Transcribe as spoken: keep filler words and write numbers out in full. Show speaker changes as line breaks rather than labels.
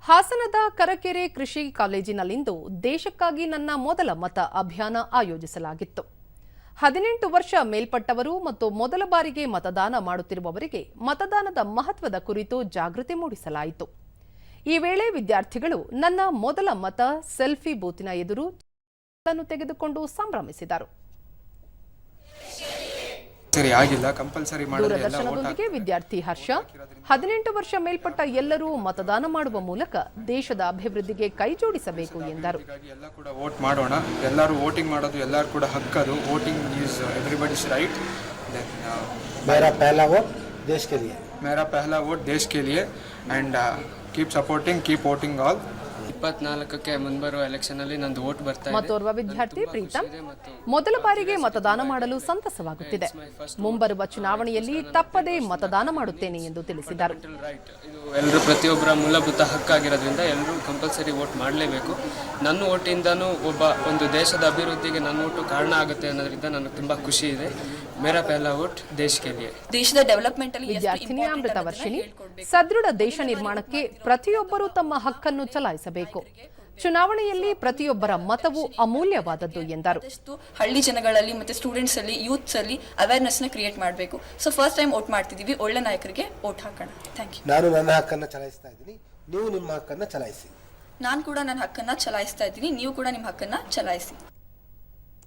ಹಾಸನದ ಕರಕೆರೆ ಕೃಷಿ ಕಾಲೇಜಿನಲ್ಲಿಂದು ದೇಶಕ್ಕಾಗಿ ನನ್ನ ಮೊದಲ ಮತ ಅಭಿಯಾನ ಆಯೋಜಿಸಲಾಗಿತ್ತು. ಹದಿನೆಂಟು ವರ್ಷ ಮೇಲ್ಪಟ್ಟವರು ಮತ್ತು ಮೊದಲ ಬಾರಿಗೆ ಮತದಾನ ಮಾಡುತ್ತಿರುವವರಿಗೆ ಮತದಾನದ ಮಹತ್ವದ ಕುರಿತು ಜಾಗೃತಿ ಮೂಡಿಸಲಾಯಿತು. ಈ ವೇಳೆ ವಿದ್ಯಾರ್ಥಿಗಳು ನನ್ನ ಮೊದಲ ಮತ ಸೆಲ್ಫಿ ಬೂತಿನ ಎದುರು ತೆಗೆದುಕೊಂಡು ಸಂಭ್ರಮಿಸಿದರು. ದೂರದರ್ಶನದೊಂದಿಗೆ ವಿದ್ಯಾರ್ಥಿ ಹರ್ಷ, ಹದಿನೆಂಟು ವರ್ಷ ಮೇಲ್ಪಟ್ಟ ಎಲ್ಲರೂ ಮತದಾನ ಮಾಡುವ ಮೂಲಕ ದೇಶದ ಅಭಿವೃದ್ಧಿಗೆ ಕೈ ಜೋಡಿಸಬೇಕು ಎಂದರು.
ಎಲ್ಲ ಕೂಡ ವೋಟ್ ಮಾಡೋಣ, ಎಲ್ಲರೂ ವೋಟಿಂಗ್ ಮಾಡೋದು ಎಲ್ಲರೂ ಕೂಡ ಹಕ್ಕದು. Voting is everybody's right.
मेरा पहला वोट देश के लिए
मेरा पहला वोट देश के लिए and keep supporting keep voting all.
ಇಪ್ಪತ್ನಾಲ್ಕಕ್ಕೆ ಮುಂಬರುವ ಎಲೆಕ್ಷನ್ ಅಲ್ಲಿ ನಂದು ವೋಟ್ ಬರ್ತಾ ಇದೆ.
ಮತ್ತೋರ್ವ ವಿದ್ಯಾರ್ಥಿ ಪ್ರೀತಮ್, ಮೊದಲ ಬಾರಿಗೆ ಮತದಾನ ಮಾಡಲು ಸಂತಸವಾಗುತ್ತಿದೆ. ಮುಂಬರುವ ಚುನಾವಣೆಯಲ್ಲಿ ತಪ್ಪದೇ ಮತದಾನ ಮಾಡುತ್ತೇನೆ ಎಂದು ತಿಳಿಸಿದರು.
ಇದು ಎಲ್ಲರೂ ಪ್ರತಿಯೊಬ್ಬರ ಮೂಲಭೂತ ಹಕ್ಕಾಗಿರೋದ್ರಿಂದ ಎಲ್ಲರೂ ಕಂಪಲ್ಸರಿ ವೋಟ್ ಮಾಡಲೇಬೇಕು. ನನ್ನ ವೋಟಿಂದನೂ ಒಬ್ಬ ಒಂದು ದೇಶದ ಅಭಿವೃದ್ಧಿಗೆ ನನ್ನ ವೋಟು ಕಾರಣ ಆಗುತ್ತೆ ಅನ್ನೋದ್ರಿಂದ ನನಗೆ ತುಂಬಾ ಖುಷಿ ಇದೆ. ಮೇರಾ ಪಹಲಾ ವೋಟ್ ದೇಶ ಕೆ ಲಿಯೆ.
ದೇಶದ ಡೆವಲಪ್ಮೆಂಟ್ ಅಲ್ಲಿ
ವಿದ್ಯಾರ್ಥಿನಿ ಅಮೃತ ವರ್ಷಿಣಿ, ಸದೃಢ ದೇಶ ನಿರ್ಮಾಣಕ್ಕೆ ಪ್ರತಿಯೊಬ್ಬರೂ ತಮ್ಮ ಹಕ್ಕನ್ನು ಚಲಾಯಿಸಬೇಕು. ಚುನಾವಣೆಯಲ್ಲಿ ಪ್ರತಿಯೊಬ್ಬರ ಮತವು ಅಮೂಲ್ಯವಾದದ್ದು ಎಂದರು.
ಹಳ್ಳಿ ಜನಗಳಲ್ಲಿ ಮತ್ತೆ ಸ್ಟೂಡೆಂಟ್ಸ್ ಅಲ್ಲಿ ಯೂತ್ಸ್ ಅಲ್ಲಿ ಅವೇರ್ನೆಸ್ ನ ಕ್ರಿಯೇಟ್ ಮಾಡಬೇಕು. ಸೊ ಫಸ್ಟ್ ಟೈಮ್ ವೋಟ್ ಮಾಡ್ತಿದೀವಿ, ಒಳ್ಳೆ ನಾಯಕರಿಗೆ ವೋಟ್ ಹಾಕೋಣ. Thank you.
ನಾನು ನನ್ನ ಹಕ್ಕನ್ನು ಚಲಾಯಿಸ್ತಾ ಇದ್ದೀನಿ, ನೀವು ನಿಮ್ಮ ಹಕ್ಕನ್ನು ಚಲಾಯಿಸಿ.
ನಾನು ಕೂಡ ನನ್ನ ಹಕ್ಕನ್ನ ಚಲಾಯಿಸ್ತಾ ಇದ್ದೀನಿ, ನೀವು ಕೂಡ ನಿಮ್ಮ ಹಕ್ಕನ್ನ ಚಲಾಯಿಸಿ.